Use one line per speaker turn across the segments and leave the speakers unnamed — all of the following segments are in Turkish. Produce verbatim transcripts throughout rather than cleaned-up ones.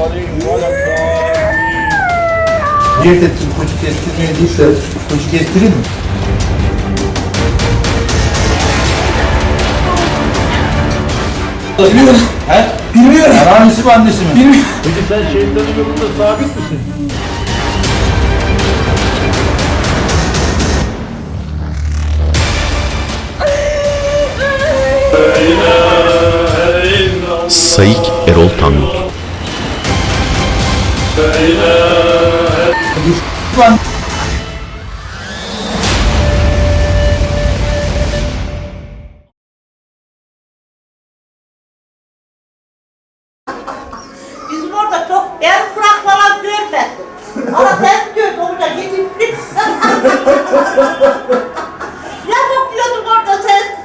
Diyet ettim, koçu kestirmeye değilse koçu kestireyim mi?
Bilmiyorum.
He?
Bilmiyorum.
Yani annesi mi annesi mi?
Bilmiyorum.
Peki sen şeytanın yolunda sabit misin?
Sayık Erol Tangut.
Lan
Bizim orada çok el kurak falan görmedim. Ama sen diyorsun orada gidip ne bakıyordun orada sen?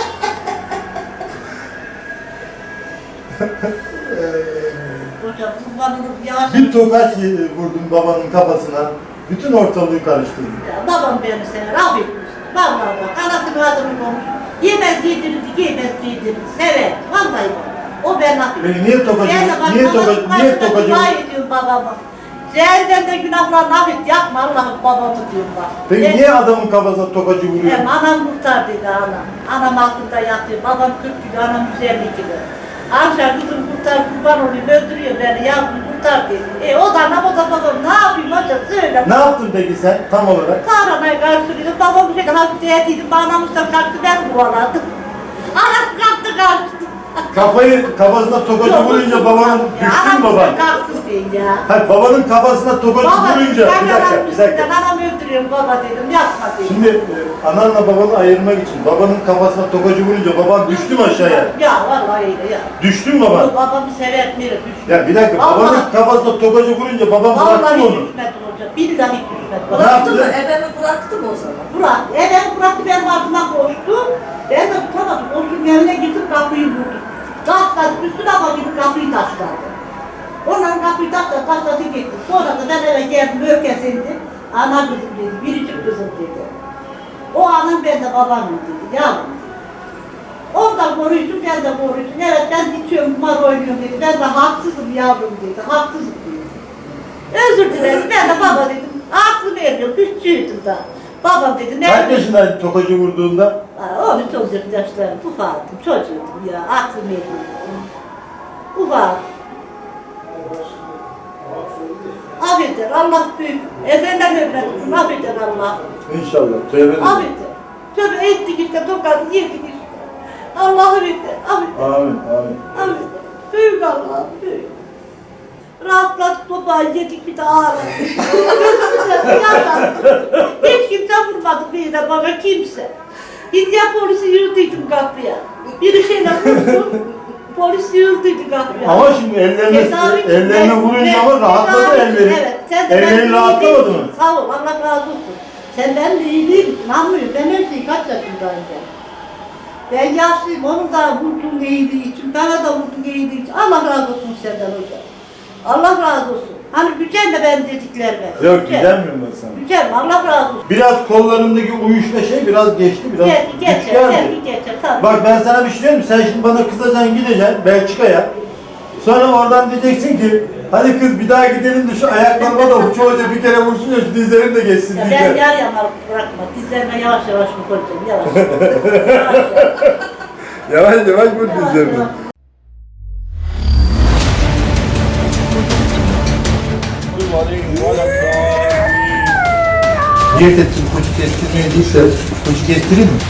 Hocam kurbanını yavaş.
bir tokaç vurdum babanın kafasına. Bütün ortalığı karıştırdım.
Ya, babam beni sever, affetmiş. Vallahi bak, anasını adını konuş. Yemez yedirirdi, yemez yedirirdi. Sever, vallahi bak. O ben affetmiş.
Peki niye tokacı,
Ben de bak,
niye
babamın
tokacı, niye
karşısında
tokacı?
dua ediyorum babama. Cehennemde de günahlarını affet, yapma Allah'ım babamı diyorum bak.
Peki
Ben-
niye adamın kafasına tokacı vuruyor?
Hem anam kurtardıydı anam. Anam altında yatıyor. Babam kırk kilo, anam yüz elli kilo. Akşam kızım kurtar, kurban olayım, öldürüyor beni, yavrum kurtar dedi. E o da anam, o da babam, ne yapayım hocam söyle.
Ne yaptın peki sen tam olarak?
Kahramayı karşılıyordum, babam şöyle hafif değdiydim, bağlamışlar kalktı, ben kovaladım. Anam kalktı kalktı.
Kafayı kafasına tokacı vurunca babanın düştü mü baban?
Kalksın diye ya.
Hayır, babanın kafasına tokacı
Baba
vurunca,
ben
bir dakika,
anam
bir dakika.
üstünden, anam öldürüyorum baba dedim, yapma dedim.
Şimdi e, ananla babanı ayırmak için babanın kafasına tokacı vurunca baban düştü mü aşağıya?
Ya vallahi öyle ya.
Düştü mü baban?
Babamı sever miyim?
Ya bir dakika,
Vallahi-
babanın kafasına tokacı vurunca baban bıraktı
Vallahi
mı onu?
düşmedi hocam. Billahi düşmedi.
Ne
Bıraktı mı?
yaptı?
Ebemi bıraktı mı o zaman?
Burak, evet Burak benim ardıma koştu. Ben de tutamadım. Koştum evine girdim, kapıyı vurdum. Taşladı, üstüne bakayım kapıyı taşladı. Onların kapıyı taşladı, taşladı gitti. Sonra da ben eve geldim, ökesindim. Ana kızım dedi, biricik kızım dedi. O anın ben de babamım dedi, yavrum dedi. Ondan koruyucum, ben de koruyucum. Evet ben içiyorum, kumar oynuyorum dedi. Ben de haksızım yavrum dedi, haksızım dedi. Özür dilerim, ben de baba dedim. Aklım eriyor, küçüğüydüm da. Babam dedi, ne?
Kaç yaşındaydı tokacı vurduğunda?
on üç on dört yaşlarım, ufaktım, çocuğum ya, aklım eriyor. Ufak. Affeder, Allah büyük. Efendim ömretim, affeder Allah.
İnşallah. Tövbe edin.
Affeder. Tövbe ettik işte, tokat yedik işte. Allah'ım affeder, affeder.
Amin, amin.
Affeder. Büyük Allah, büyük. Rahatladık babayı yedik bir de ağladık. Gözümüzden yaşadık. Hiç kimse vurmadı bir de bana kimse. Gidiyor polisi yürüdüydüm kapıya. Bir şeyle vurdu. Polis yürüdüydü kapıya.
Ama şimdi ellerine,
Tedavi için
ellerine
ben-
vurunca
ben-
ama rahatladı
tedavi için,
elleri.
Evet. Sen de
Ellerin
benim
rahatlamadı
iyiliğim
mı?
için, sağ ol, Allah razı olsun. Sen benim iyiliğim için anlıyorsun. Ben her şeyi kaç yaşındayım ben. Ben yaşlıyım, onun da vurduğun iyiliği için, bana da vurduğun iyiliği için. Allah razı olsun senden hocam. Allah razı olsun. Hani gücenme ben dediklerime.
Yok,
Gücenme.
gücenmiyorum ben sana.
Gücenme, Allah razı olsun.
Biraz kollarındaki uyuşma şey biraz geçti, biraz
Gel,
güç
geçer,
geldi.
gel, geçer, tabii.
Bak ben sana bir şey diyeyim mi? Sen şimdi bana kızacaksın, gideceksin Belçika'ya. Sonra oradan diyeceksin ki hadi kız bir daha gidelim de şu ayaklarıma da uçu hoca bir kere vursun ya şu dizlerim de geçsin
Ya ben
diyeceksin.
yar yamar bırakma, dizlerime yavaş yavaş mı koyacağım, yavaş yavaş. yavaş,
Yavaş yavaş vur
yavaş,
dizlerini.
yavaş.
Diyet ettim, koçu kestirmeye değilse koçu kestireyim mi?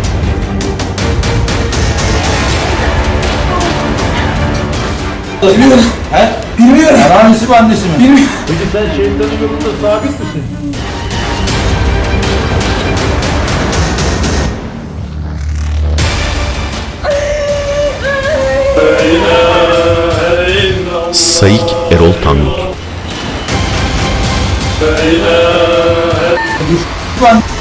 Bilmiyorum.
He?
Bilmiyorum.
Yani annesi mi annesi mi?
Bilmiyorum.
Peki sen şeytanın yolunda sabit misin?
Sayık Erol Tangut.
Lan